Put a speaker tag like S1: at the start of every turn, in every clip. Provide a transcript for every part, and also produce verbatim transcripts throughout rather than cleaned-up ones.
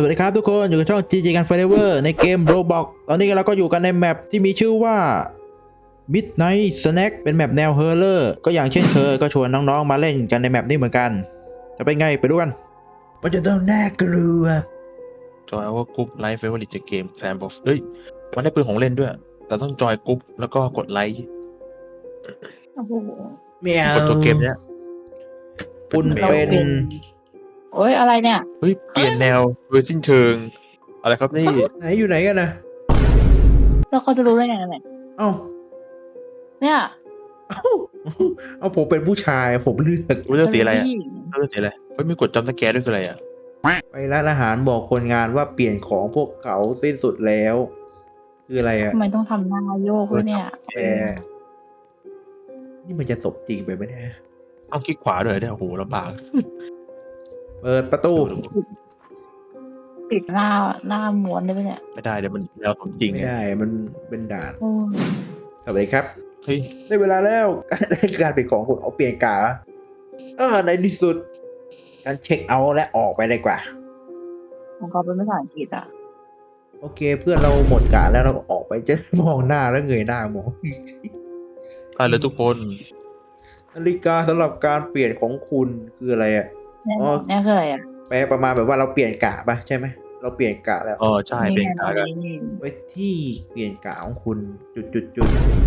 S1: วัสดีครับทุกคนอยู่กับช่อง จี จี กัน Forever ในเกม Roblox ตอนนี้เราก็อยู่กันในแมปที่มีชื่อว่า Midnight Snack เป็นแมปแนว Horror ก็อย่างเช่นเคยก็ชวนน้องๆมาเล่นกันในแมปนี้เหมือนกันจะเป็นไงไปดูกันมันจะต้องน่ากลัว
S2: จอยว่ากรุ๊ปไลฟ์เฟเวอร์ลิตเกมแฟนบอกเฮ้ยมันได้ปืนของเล่นด้วย แต่ต้องจอยกรุ๊ปแล้วก็กดไลค์
S3: โอ้โห
S1: ไม่เอา
S2: กดตัวเกมเนี้ย
S1: คุณ
S2: แมว
S1: เป็น
S3: โอ้ยอะไรเนี่ย
S2: เฮ้ยเปลี่ยนแนวโดยสิ้นเชิง อะไรครับนี่
S1: ไหนอยู่ไหนกันนะ
S3: แล้วเขาจะรู้ได้ไงเนี่ย
S1: เอ้า
S3: เนี่ย
S1: เอ้าเอาผมเป็นผู้ชายผมเลือก
S2: รู้เรื่องสีอะไรอ่ะ
S3: ฉันเป็นผู้หญิง
S2: เรื่องสีอะไรเฮ้ยมีกดจำสแกร์ด้วยคืออะไรอ่ะ
S1: ไปร้านอาหารบอกคนงานว่าเปลี่ยนของพวกเขาสิ้นสุดแล้ว คืออะไรอะ
S3: ทำไมต้องทำหน้าโยกด้วยเนี่ย
S1: แอร์นี่มันจะศพจริงไปไหมเนี่ย
S2: ต้องคลิกขวาด้วยเนี่ยโอ้โหลำบาก
S1: เปิดประตู
S3: ปิดหน้าหน้าม้วนได้ไหมเนี่ย
S2: ไม่ได้เดี๋ยวมันแนวสมจริง
S1: ไม่
S2: ไง
S1: ได้มันเป็นด่าน
S3: โอ้ย
S1: สวัสดีครับ
S2: เฮ้ย
S1: ได้เวลาแล้วการเปลี่ยนของคุณเอาเปลี่ยนกาเออในที่สุดฉันเช็คเอาท์และออกไปเลยกว่า
S3: ของเขาเป็นภาษาอังกฤษอ่ะ
S1: โอเคเพื่อนเราหมดกาแล้วเราก็ออกไปจะมองหน้าแล้วเงยหน้ามอง
S2: ได้เลยทุกคน
S1: นาฬิกาสำหรับการเปลี่ยนของคุณคืออะไรอ่ะ
S3: เนี่ย
S1: อ๋อ
S3: เนี่ยคืออะไรอ่ะ
S1: แปลประมาณแบบว่าเราเปลี่ยนกะป่ะใช่ไหมเราเปลี่ยนกะแล้ว
S2: อ๋อใช่เป็นกากัน
S3: นี่
S1: ไว้ที่เปลี่ยนกะของคุณจุดจุดจุด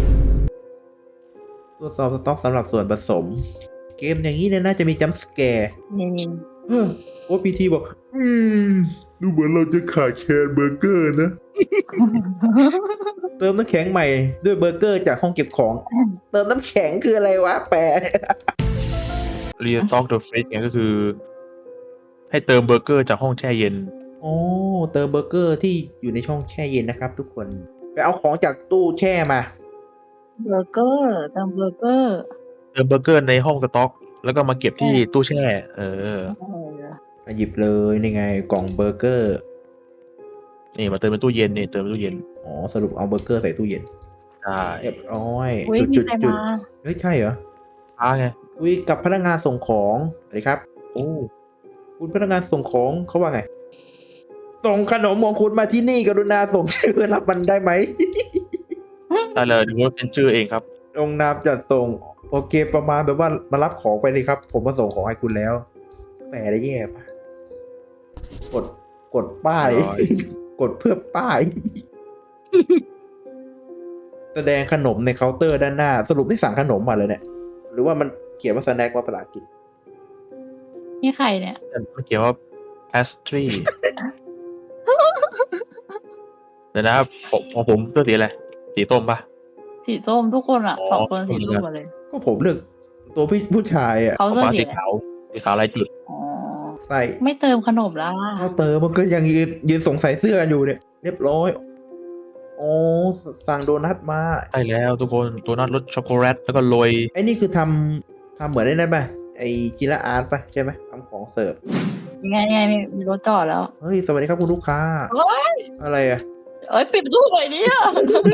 S1: ตรวจสอบสต็อกสำหรับส่วนผสม เกมอย่างนี้เนี่ยน่าจะมีจัมป์สแกร์
S3: นี่นี่
S1: เออโอพีทีบอก อืม ดูเหมือนเราจะขาดแคลนเบอร์เกอร์นะ เติมน้ำแข็งใหม่ด้วยเบอร์เกอร์จากห้องเก็บของ เติมน้ำแข็งคืออะไรวะ แปล
S2: รีสต็อกเดอะเฟสเนี่ยก็คือ ให้เติมเบอร์เกอร์จากห้องแช่เย็น
S1: โอ้เติมเบอร์เกอร์ที่อยู่ในช่องแช่เย็นนะครับทุกคน ไปเอาของจากตู้แช่มา
S3: เบอร์เกอร์เติมเบอร์เกอร์
S2: เติมเบอร์เกอร์ในห้องสต็อก แล้วก็มาเก็บที่ตู้แช่ เออ
S3: เออ
S1: มาหยิบเลยนี่ไงกล่องเบอร์เกอร์
S2: นี่มาเติมในตู้เย็นนี่เติมในตู้เย็น
S1: อ๋อสรุปเอาเบอร์เกอร์ใส่ตู้เย็น
S2: ใช่
S1: เรียบร้อย
S3: อุ้ย
S1: จุด
S3: มี
S1: จุด
S3: ใคร
S1: จุด
S3: มา
S1: เฮ้ยใช่เหรอ
S2: ช้าไง
S1: คุยกับพนักงานส่งของสวัสดีครับ
S2: โอ้
S1: คุณพนักงานส่งของเขาว่าไง ส่งขนมของคุณมาที่นี่กรุณาส่งชื่อรับมันได้ไหม
S2: ได้เลยดูว่าเป็นชื่อเองครับ
S1: ลงนามจัดส่งโอเคประมาณแบบว่ามารับของไปเลยครับ ผมมาส่งของให้คุณแล้วแหมได้แย่ปะกดกดป้าย
S2: ร้อย
S1: กดเพื่อป้าย แสดงขนมในเคาน์เตอร์ด้านหน้า สรุปที่สั่งขนมมาเลยเนี่ย หรือว่ามันเขียนว่าสแน็คว่าภาษาอังกฤษ
S3: นี่ใครเนี่ย
S2: มันเขียนว่า pastry เดี๋ยวนะครับผมของผมเสื้อสีอะไร สีส้มปะ
S3: สีส้มทุกคนอ่ะ
S2: อ๋อ
S3: สองคนสีส้มหมดเลย
S1: ก็ผมเลือกตัวพี่ผู้ชายอ่ะ
S3: เขา
S2: ของ
S3: เสื้อ
S2: ฟ้า
S3: สี
S2: สี
S3: อะไร
S2: ขาว สีขาวลายจุด
S3: อ๋อ
S1: ใส่
S3: ไม่เติมขนมแล้ว
S1: เอาเตอมันก็ยังยืนยืนสงสัยเสื้อกันอยู่เนี่ย เรียบร้อยโอ้สั่งโดนัทมา
S2: ใช่แล้วทุกคนตัวนัทรสช็อกโกแลตแล้วก็โรย
S1: ไอ้นี่คือทำทำเหมือนได้นั่นป่ะไอ้จิระอาร์ตป่ะใช่ไหมทำของเสิร์ฟ
S3: ยังไงยังไงมีมีรถจอดแล้ว
S1: เฮ้ยสวัสดีครับคุณลูกค้า
S3: เอ้ย
S1: อะไรอ่ะ
S3: เอ้ยปิดประตู้หน่อยดิอ่ะ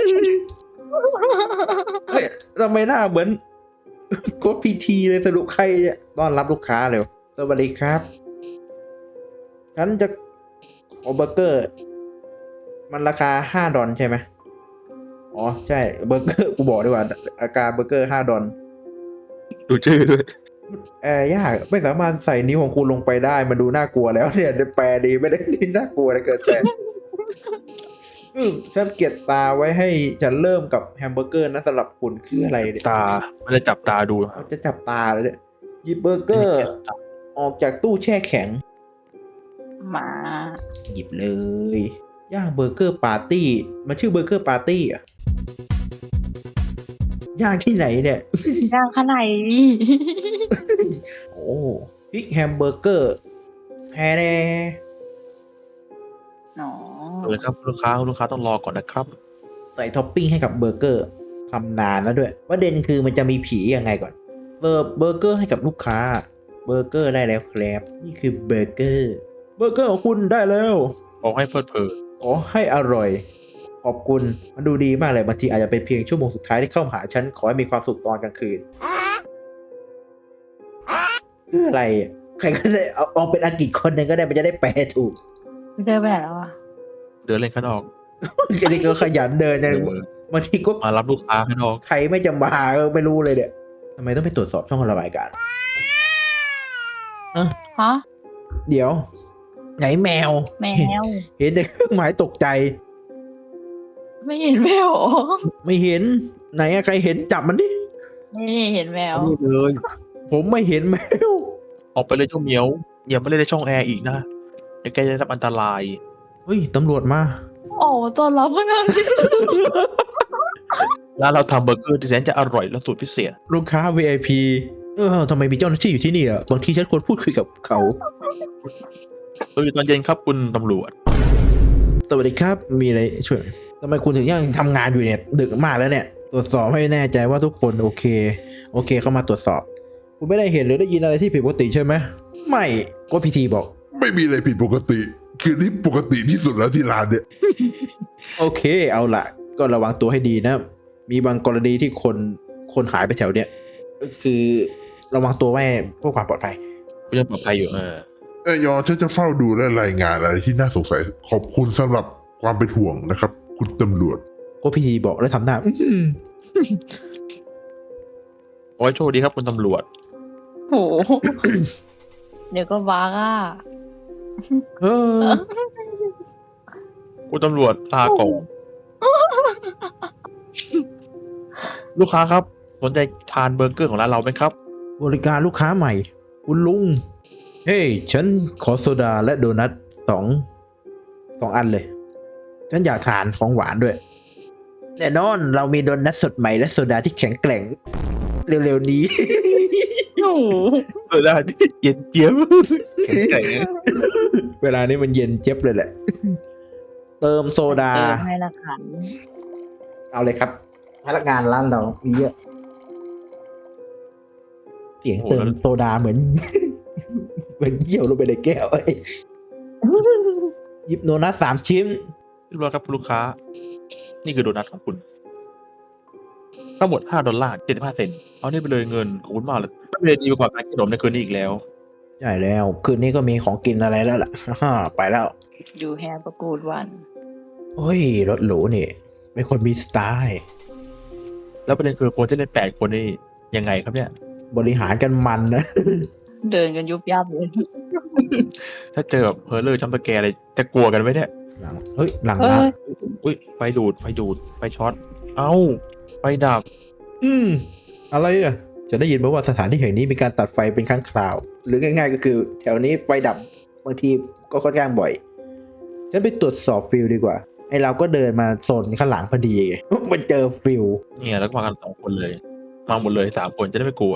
S1: เฮ้ยทำไมหน้าเหมือน โค้ดพีทีเลยสรุปใครเนี่ยต้อนรับลูกค้าเร็วสวัสดีครับ ฉันจะขอเบอร์เกอร์ มันราคาห้าดอลใช่ไหมอ๋อ ใช่เบอร์เกอร์กูบอกดีกว่าอาการเบอร์เกอร์ห้าดอล
S2: ดูชื่อด้วย
S1: แอร์ยากไม่สามารถใส่นิ้วของคุณลงไปได้ มันดูน่ากลัวแล้วเนี่ยแปลดีไม่ได้ที่น่ากลัวนะเกินไปอืมฉันเก็บตาไว้ให้ฉันเริ่มกับแฮมเบอร์เกอร์นะสำหรับคุณคืออะไรเนี่ย
S2: ตาไม่ได้จับตาดูครั
S1: เขา
S2: บ
S1: จะจับตาเลยเนี่ยหยิบเบอร์เกอร์ ออกจากตู้แช่แข็ง
S3: มา
S1: หยิบเลย ย่างเบอร์เกอร์ปาร์ตี้มันชื่อเบอร์เกอร์ปาร์ตี้อ่ะ ย่างที่ไหนเนี่ย
S3: ย่างข้างในดิ
S1: โอ้พริกแฮมเบอร์เกอร์แฮแน่
S3: อ๋อ
S2: เลยครับลูกค้าลูกค้าต้องรอก่อนนะครับ
S1: ใส่ท็อปปิ้งให้กับเบอร์เกอร์ทำนานแล้วด้วยประเด็นคือมันจะมีผียังไงก่อนเสิร์ฟเบอร์เกอร์ให้กับลูกค้าเบอร์เกอร์ได้แล้วครับนี่คือเบอร์เกอร์เบอร์เกอร์ของคุณได้แล้ว
S2: ขอให้เพลิดเพลิน
S1: ขอให้อร่อย ขอบคุณมันดูดีมากเลยบางทีอาจจะเป็นเพียงชั่วโมงสุดท้ายที่เข้ามาหาฉันขอให้มีความสุขตอนกลางคืนคืออะไรอ่ะใครก็ได้เอาเอาเป็นอังกฤษคนหนึ่งก็ได้มันจะได้แปลถูก
S3: เจอไปไหนแล้วอ่ะ
S2: เดินเล่นข้างนอก
S1: แค่นี้ก็ขยันเดินจัง
S2: เออบ
S1: างทีก็
S2: มารับลูกค้าข้างนอก
S1: ใครไม่จะมาก็ไม่รู้เลยเนี่ยทำไมต้องไปตรวจสอบช่องระบายอากาศอ่ะ
S3: ฮะ
S1: เดี๋ยว ไหนแมว
S3: แมว
S1: เห็นแต่เครื่องหมายตกใจ
S3: ไม่เห็นแมวเหรอ
S1: ไม่เห็น ไหนอะใครเห็นจับมันดิ
S3: นี่เห็นแมว
S2: นี่เลย
S1: ผมไม่เห็นแมว
S2: ออกไปเลยเจ้าเหมียวอย่ามาเล่นในช่องแอร์อีกนะเดี๋ยวแกจะได้รับอันตราย
S1: เฮ้ยตำรวจมา
S3: โอ้ต้อนรับพนักงาน
S2: ร้านเราทำเบอร์เกอร์ที่แสนจะอร่อยและสูตรพิเศษ
S1: ลูกค้า วี ไอ พี เออทำไมมีเจ้าหน้าที่อยู่ที่นี่อ่ะ บางทีฉันควรพูดคุยกับเขา
S2: เราอยู่ตอนเย็นครับคุณตำรวจ
S1: สวัสดีครับ มีอะไรช่วยทำไมคุณถึงยังทำงานอยู่เนี่ย ดึกมากแล้วเนี่ย ตรวจสอบให้แน่ใจว่าทุกคนโอเค โอเคเข้ามาตรวจสอบ คุณไม่ได้เห็นหรือได้ยินอะไรที่ผิดปกติใช่ไหม ไม่ก็พีทีบอก
S4: ไม่มีอะไรผิดปกติ คือนี่ปกติที่สุดแล้วที่ร้านเนี่ย
S1: โอเค เอาละก็ระวังตัวให้ดีนะ มีบางกรณีที่คนคนหายไปแถวเนี้ยก็คือระวังตัวไว้เพื่อความปลอดภัย
S2: คุณยังปลอดภัยอยู่เออ
S4: เอยอฉันจะเฝ้าดูและรายงานอะไรที่น่าสงสัย ขอบคุณสำหรับความเป็นห่วงนะครับ คุณตำรวจ
S1: ก็พีทีบอกแล้วทำหน้าอื้อหือ
S2: โอ้ยโชคดีครับคุณตำรวจ
S3: โห เดี๋ยวก็บ้าอ่ะ
S1: เออ
S2: คุณตำรวจลาก่อนลูกค้าครับสนใจทานเบอร์เกอร์ของร้านเราไหมครับ
S1: บริการลูกค้าใหม่ คุณลุง เฮ้ย ฉันขอโซดาและโดนัทสองสองอันเลย ฉันอยากทานของหวานด้วย แน่นอนเรามีโดนัทสดใหม่และโซดาที่แข็งแกร่ง เร็วๆนี้
S3: โอ้โห
S2: เออได้เย็นเจี๊ยบแข็งแกร่ง
S1: เวลานี้มันเย็นเจ็บเลยแหละ เติมโซดา
S3: เติมให้ละขัน
S1: เอาเลยครับพนักงานร้านเรามีเยอะ เสียงเติมโซดาเหมือน เหมือนเยี่ยวลงไปในแก้วเอ้ยหยิบโดนัทสามชิ้น
S2: เรียบร้อยครับคุณลูกค้า นี่คือโดนัทของคุณ ทั้งหมดห้าดอลลาร์เจ็ดสิบห้าเซนต์เอานี่ไปเลยเงินขอบคุณมากเลยไม่ได้ดีกว่าการกินขนมในคืนนี้อีกแล้ว
S1: ใช่แล้ว คืนนี้ก็มีของกินอะไรแล้วล่ะ ไปแล้ว
S3: อยู่แฮปประกูดวัน
S1: โอ้ย รถหรูนี่ เป็นคนมีสไตล์
S2: แล้วประเด็นคือคนที่เล่นแปดคนนี่ยังไงครับเนี่ย
S1: บริหารกันมันนะ
S3: เดินกันยุบยับเลย
S2: ถ้าเจอแบบเพอร์เลอร์จัมป์สแกร์อะไรจะกลัวกันไหมเนี่ย
S1: หลังเฮ้ย หลัง
S3: เฮ้
S1: ร้าน
S3: ย
S2: อุ้ยไฟดูดไฟดูดไฟช็อต เอ้าไฟดับ
S1: อืม อะไรอ่ะ จะได้ยินมาว่าสถานที่แห่งนี้มีการตัดไฟเป็นครั้งคราว หรือง่ายๆก็คือ แถวนี้ไฟดับบางทีก็ค่อนข้างบ่อย ฉันไปตรวจสอบฟิลดีกว่า ไอเราก็เดินมาโซนข้างหลังพอดีไง มันเจอฟิล
S2: เนี่ยแล้วก็มากันสองคนเลย มาหมดเลยสามคนจะได้ไม่กลัว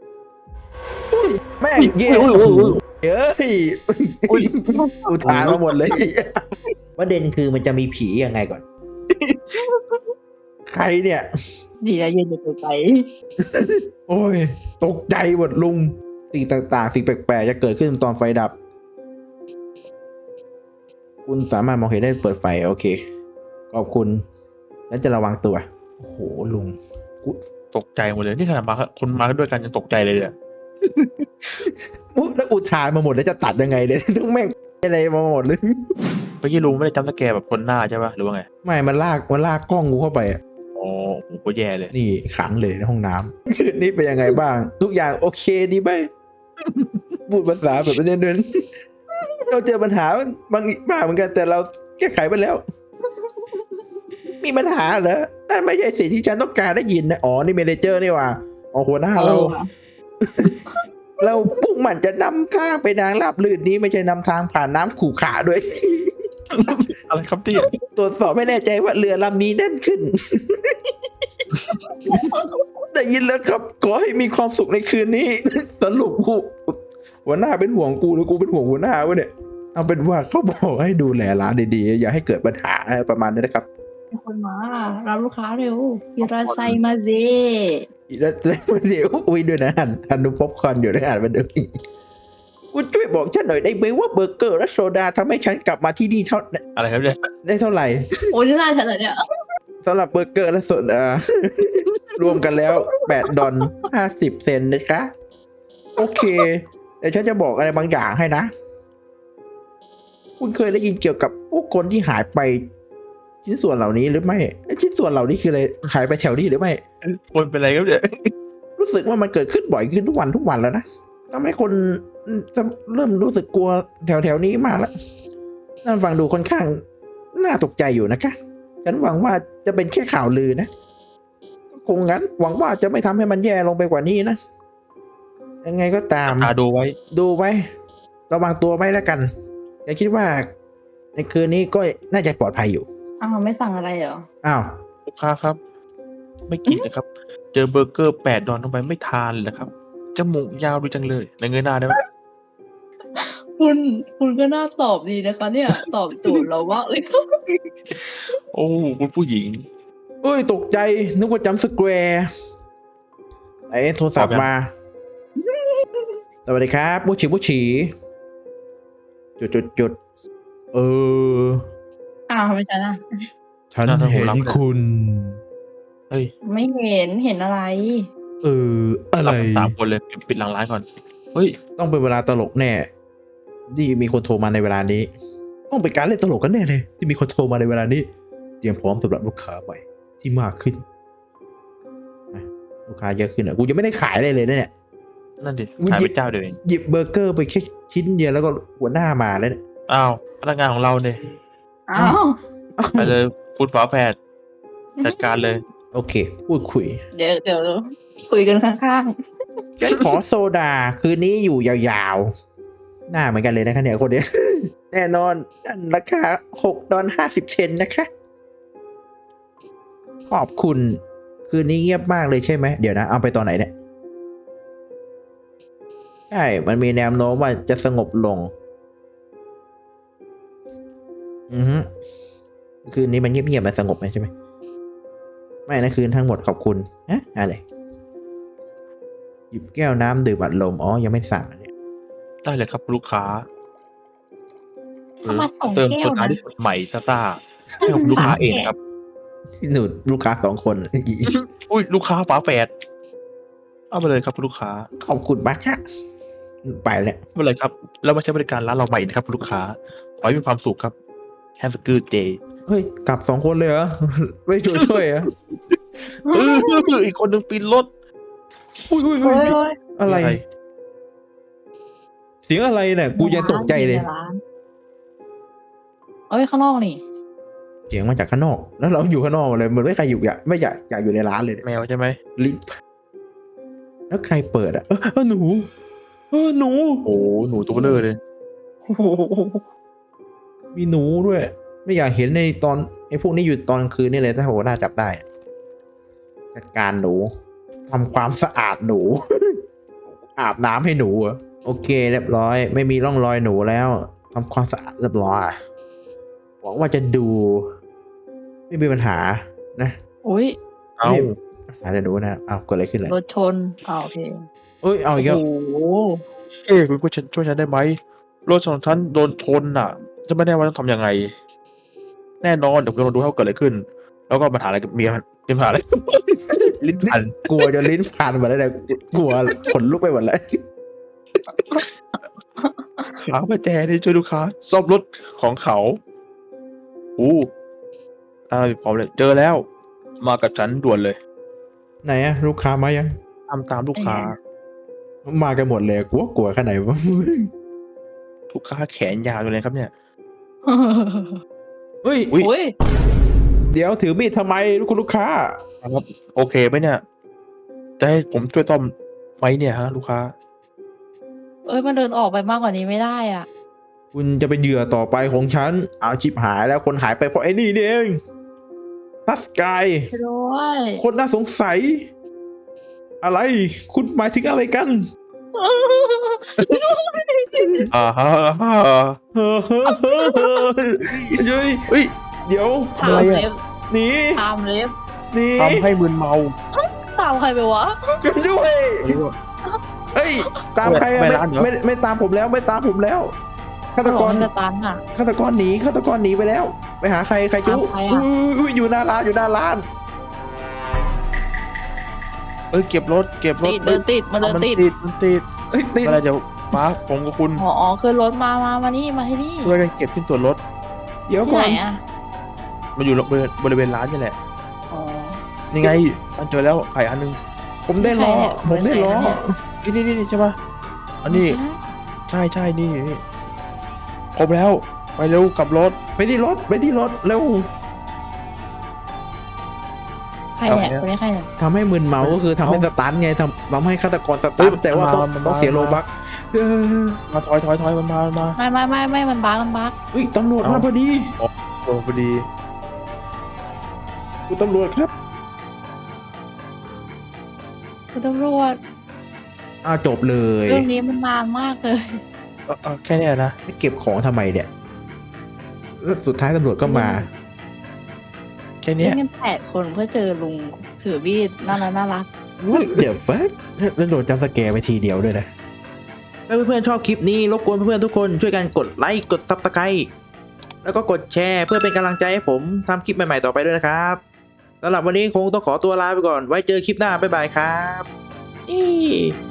S1: แม่งเย้
S2: อุ๊ย
S1: โอ้
S2: อุ๊
S1: โห
S2: ย
S1: เฮ้ย
S2: อุ๊ย
S1: อุทานมาหมดเลยประเด็นคือมันจะมีผียังไงก่อน ใครเนี่ย
S3: ดีนะยืนอยู่ไกล
S1: โอ้ย ตกใจหมดลุง สิ่งต่างๆ สิ่งแปลกๆ จะเกิดขึ้นตอนไฟดับ คุณสามารถมองเห็นได้เปิดไฟ โอเค ขอบคุณฉันจะระวังตัว โอ้โห ลุงกู
S2: ตกใจหมดเลย นี่ขนาดมาคนมาด้วยกันยังตกใจเลยเนี่ย
S1: อุ๊ยแล้วอุทานมาหมดแล้วจะตัดยังไงเนี่ย ต้องแม่งอะไรมาหมดเลย
S2: เมื่อกี้ลุงไม่ได้จัมป์สแกร์แบบคนหน้าใช่ปะหรือว่าไง
S1: ไม่ มันลาก มันลากกล้องกูเข้าไปอะ
S2: อ๋อผมก็แย่เลย
S1: นี่ขังเลยในห้องน้ำ คืนนี้เป็นยังไงบ้าง ทุกอย่างโอเคดีไหม พูดภาษาแบบเดินๆเราเจอปัญหาบางบ้างเหมือนกันแต่เราแก้ไขไปแล้ว มีปัญหาเหรอ นั่นไม่ใช่สิ่งที่ฉันต้องการได้ยินนะ อ๋อ นี่เมเนเจอร์นี่หว่าอ๋อหัวหน้า
S3: ๆ
S1: เรา
S3: ออว่ะ
S1: เราพุ่งมันจะนำทางไปทางราบลื่นนี้ไม่ใช่นำทางผ่านน้ำขู่ขาด้วย
S2: อะไรครับที่
S1: ตรวจสอบไม่แน่ใจว่าเรือลำนี้แน่นขึ้น ได้ยินแล้วครับ ขอให้มีความสุขในคืนนี้ สรุปกูหัวหน้าเป็นห่วงกูหรือกูเป็นห่วงหัวหน้าวะเนี่ย เอาเป็นว่าเขาบอกให้ดูแลร้านดีๆ อย่าให้เกิดปัญหาอะไรประมาณนี้นะครับ
S3: มีคนมารับลูกค้าเร็วอิราไซมาเซ
S1: อีแล้วเดี๋ยวอุ้ยด้วยนะหันหันดูป๊อปคอร์นอยู่ได้อ่านมาดูคุณช่วยบอกฉันหน่อยได้ไหมว่าเบอร์เกอร์และโซดาทำให้ฉันกลับมาที่นี่เท่า
S2: อะไรครับเนี่ย
S1: ได้เท่าไหร่
S3: โอ้ยหน้าฉันเหรอเนี่ย
S1: สำหรับเบอร์เกอร์และโซดา รวมกันแล้วแปดดอลห้าสิบเซนต์นะคะ โอเค เดี๋ยวฉันจะบอกอะไรบางอย่างให้นะคุณเคยได้ยินเกี่ยวกับพวกคนที่หายไปชิ้นส่วนเหล่านี้หรือไม่เอ้ยชิ้นส่วนเหล่านี้คืออะไรหายไปแถวนี้หรือไม่
S2: คนเป็นไรครับเนี่ย
S1: รู้สึกว่ามันเกิดขึ้นบ่อยขึ้นทุกวันทุกวันแล้วนะทำให้คนจะเริ่มรู้สึกกลัวแถวแถวๆนี้มากแล้วนั่นฟังดูค่อนข้างน่าตกใจอยู่นะคะฉันหวังว่าจะเป็นแค่ข่าวลือนะก็คงงั้นหวังว่าจะไม่ทำให้มันแย่ลงไปกว่านี้นะยังไงก็ตาม
S2: ตาดูไว้
S1: ดูไว้ระวังตัวไว้แล้วกันอย่าคิดว่าในคืนนี้ก็น่าจะปลอดภัยอยู่
S3: อ้าวไม่สั่งอะไรเหรอ
S1: อ้าว
S2: ลูกค้าครับ ไม่กินนะครับ เจอเบอร์เกอร์แปดดอนลงไปไม่ทานเลยนะครับจมูกยาวดูจังเลยในเงยหน้าได้ไหม
S3: คุณคุณก็น่าตอบดีนะคะ เนี่ย ตอบโจทย์เราว่าเลยครับ
S2: โอ้คุณผู้หญิง
S1: เอ้ยตกใจนึกว่าจำสแควร์ไอ้โทรศัพท์มา สวัสดีครับบุชีบุชีจุดจุดจุดเออ
S3: อ้าวไม่ใช่นะ
S1: ฉัน
S2: น่าจะ
S1: เห็น
S2: รับเลย
S1: คุณ
S2: เฮ้ย
S3: ไม่เห็นเห็นอะไร
S1: เออ อะไร
S2: รับกันสามคนเลยปิดหลังร้านก่อน เฮ้ย
S1: ต้องเป็นเวลาตลกแน่ ที่มีคนโทรมาในเวลานี้ ต้องเป็นการเล่นตลกกันแน่เลย ที่มีคนโทรมาในเวลานี้ เตรียมพร้อมสำหรับลูกค้าใหม่ที่มากขึ้นอ่ะลูกค้าเยอะขึ้นอ่ะกูยังไม่ได้ขายอะไรเลยนะเนี่ย
S2: นั่นดิ
S1: อุ๊ย
S2: ขายไปเจ้าเดียวเอง
S1: หยิบเบอร์เกอร์ไปแค่ชิ้นเดียวแล้วก็หัวหน้ามาแล้วเนี่ย
S2: อ้าวพนักงานของเราเนี่ย
S3: อ้าว
S2: ไปเลยคุณฝาแฝดจัดการเลย
S1: โอเค พูดคุย
S3: เดี๋ยวเดี๋ยวคุยกันข้าง
S1: ฉันขอโซดาคืนนี้อยู่ยาวๆ หน้าเหมือนกันเลยนะคะเนี่ยคนเนี้ย แน่นอนนั่นราคาหกดอลห้าสิบเซนนะคะ ขอบคุณ คืนนี้เงียบมากเลยใช่ไหม เดี๋ยวนะ เอาไปตอนไหนเนี่ย ใช่ มันมีแนวโน้มว่าจะสงบลง อือฮึคืนนี้มันเงียบๆมันสงบไหมใช่ไหม ไม่นะคืนทั้งหมดขอบคุณฮะอะไร หยิบแก้วน้ำดื่มอัดลม อ๋อ ยังไม่สั่งอันเนี่ย
S2: ได้เลยครับลูกค้า
S3: ๆเอามาส่ง
S2: เติม
S3: แก้
S2: โซ
S3: ว
S2: ดา
S3: นะ
S2: ที่สดใหม่ซ่าๆให้กับลูกค้าเองครับ
S1: ที่หนูลูกค้าสองคน
S2: อุ้ยลูกค้าฝาแฝดเอาไปเลยครับลูกค้า
S1: ขอบคุณมากค่ะไปแล้ว
S2: ไม่เป็นไรครับ แล้วมาใช้บริการร้านเราใหม่นะครับ ลูกค้า ขอให้มีความสุขครับแฮมสกูเจ
S1: เฮ้ย กลับสองคนเลยเหรอ ไม่ช่วยช่วยเหรอ
S2: เอออีกคนหนึ่งปีนรถ
S1: อุ้ยอุ้ย
S3: โอ้
S1: อุ้ย
S3: ยโอ้ย
S1: อะไร
S2: อะไร
S1: เสียงอะไรเนี่ย กูยังตกใจเลย
S3: ในร้านเอ้ยข้างนอกนี่
S1: เสียงมาจากข้างนอก แล้วเราอยู่ข้างนอกเลยเหมือนไม่ใครอยู่อยากไม่อยากอยากอยู่ในร้านเลยเนี่ย
S2: แมวใช่ไหม
S1: ลิ้นแล้วใครเปิดอ่ะ เออเออหนู เออหนู
S2: โอ้หนูตัวเบลอเลย
S3: โอ้โห
S1: มีหนูด้วย ไม่อยากเห็นในตอนไอ้พวกนี้อยู่ตอนกลางคืนนี่เลยถ้าโหน่าจับได้จัดการหนูทำความสะอาดหนู อาบน้ำให้หนูเหรอโอเคเรียบร้อย ไม่มีร่องรอยหนูแล้วทำความสะอาดเรียบร้อยหวังว่าจะดู ไม่มีปัญหานะ
S3: อุ้ย
S2: เอา
S1: ไม่อาจจะดูนะเอาเกิดอะไรขึ้นเลย
S3: รถชนอ้าวโอเค
S1: เอ้ยเอาอีกแล้ว
S3: โอ้โห
S2: เอ้คุณผู้ชมช่วยฉันได้ไหมรถของฉันโดนชนน่ะ จะไม่แน่ว่าต้องทำยังไง แน่นอนเดี๋ยวเราดูให้ว่าเกิดอะไรขึ้น แล้วก็ปัญหาอะไรกับเมียมันมีปัญหาอะไร ลิ้นพัน
S1: กลัวจนลิ้นพันหมดแล้วเนี่ยกลัวขนลุกไปหมดแล้ว
S2: ขาประแจนี่ช่วยลูกค้าซ่อมรถของเขาอู้ตามพร้อมเลย เจอแล้ว มากับฉันด่วนเลย
S1: ไหนอะลูกค้ามายัง
S2: ทำตามลูกค้า
S1: มากันหมดเลยกลัวกลัวขนาดไหนวะ
S2: ลูกค้าแขนยาวอยู่เลยครับเนี่ย
S1: เฮ้ย
S2: อุ๊ย
S3: อุ้ย
S1: เดี๋ยวถือมีดทำไมคุณลูกค้า
S2: ครับโอเคไหมเนี่ย จะให้ผมช่วยต้อมไหมเนี่ยฮะ ลูกค้า
S3: เอ้ยมันเดินออกไปมากกว่านี้ไม่ได้อ่ะ
S1: คุณจะเป็นเหยื่อต่อไปของฉันเอาชิบหายแล้วคนหายไปเพราะไอ้นี่นี่เองทัสกาย
S3: ไปด้วย
S1: คนน่าสงสัย อะไร คุณหมายถึงอะไรกัน
S2: อ่าฮะอ่าฮะ
S1: เฮ้อเฮ้อเฮ้อเฮ้อเฮ้ย
S2: เฮ้ย
S1: เดี๋ยว
S3: ถา
S1: อะไร
S3: ม
S1: อะ
S3: เล็บ
S1: หนี
S3: ถามเล็บ
S1: หนี
S2: ทำให้มึนเมา
S3: ตามใครไปวะ
S1: กันด้วยเอ้ย ตามใครอะ
S2: ไม่
S1: ไม่
S2: ร้านเหรอ
S1: ไม่ไม่ตามผมแล้วไม่ตามผมแล้วฆาต
S3: บอก
S1: กร
S3: ให้สตันอ่ะ
S1: ฆาตกรหนีฆาตกรหนีไปแล้ว ไปหาใครใครจุ๊
S3: ตามใครอะ
S1: อุ้ยอุ้ยอยู่หน้าร้านอยู่หน้าร้าน
S2: เอ้ยเก็บรถเก็บรถ
S3: ติดเดินติดมันเดิน
S2: มัน
S3: ติด
S2: ติดมันติด
S1: เอ้ยติด
S2: อะไรเดี๋ยวมาผมกับคุณ
S3: อ๋ออ๋อคือรถมามามานี่มาที่นี่
S2: ช่วยกันเก็บชิ้นส่วนรถ
S1: เดี๋ยว
S3: ที่
S1: ก่อ
S3: ไหน
S1: น
S3: อ่ะ
S2: มันอยู่บริเวณบริเวณร้านนี่แหละ
S3: อ๋อ
S2: นี่ไงมันเจอแล้วไข่อันนึง
S1: ผมได้ล้อ
S3: ใครเนี่ย
S1: ผมได้ล้อ
S3: ใครเนี่ย
S2: นี่นี่นี่ใช่ปะอันนี้
S3: ใช่
S2: ใช่ใช่นี่นี่ครบแล้วไปเร็วกลับรถ
S1: ไปที่รถไปที่รถเร็ว
S3: ใครเนี่ย
S2: เอาเนี่ย
S3: คนนี้ใครเนี่ย
S1: ทำให้มึนเมาก็คือทำให้
S2: เอา
S1: สตันไงทำทำให้ฆาตกรส
S2: เฮ้
S1: ตั
S2: ย
S1: นแต่ว่าต้อง
S2: มันมา
S1: ต้องเสีย
S2: มัน
S1: โล
S2: มา
S1: บักเออ
S2: มาถอยถอยถอยมันมามันมา
S3: ไม่ไม่ไม่ไม่มันบักมันบัก
S1: อุ้ยตำรวจมา
S2: เอา
S1: พอดี
S2: โอ้พอดี
S1: คุณตำรวจครับ
S3: คุณตำรวจ
S1: อ้าวจบเลย
S3: เรื่องนี้มันนานมากเลย
S2: เออเออแค่เนี้ยนะ
S1: เก็บของทำไมเนี่ยแล้วสุดท้ายตำรวจก็มา
S2: แค่
S3: เล่
S2: เนี้ย
S3: นกันแปดคนเพื่อเจอลุงถือมีดน่ารักน่ารัก
S1: เดี๋ยวฟักแล้วโดนจำสแกร์ไปทีเดียวด้วยนะ ถ้าเพื่อนๆชอบคลิปนี้รบกวนเพื่อนๆทุกคนช่วยกันกดไลค์กดซับสไครต์แล้วก็กดแชร์เพื่อเป็นกำลังใจให้ผมทำคลิปใหม่ๆต่อไปด้วยนะครับสำหรับวันนี้คงต้องขอตัวลาไปก่อน ไว้เจอคลิปหน้าบ๊ายบายครับนี่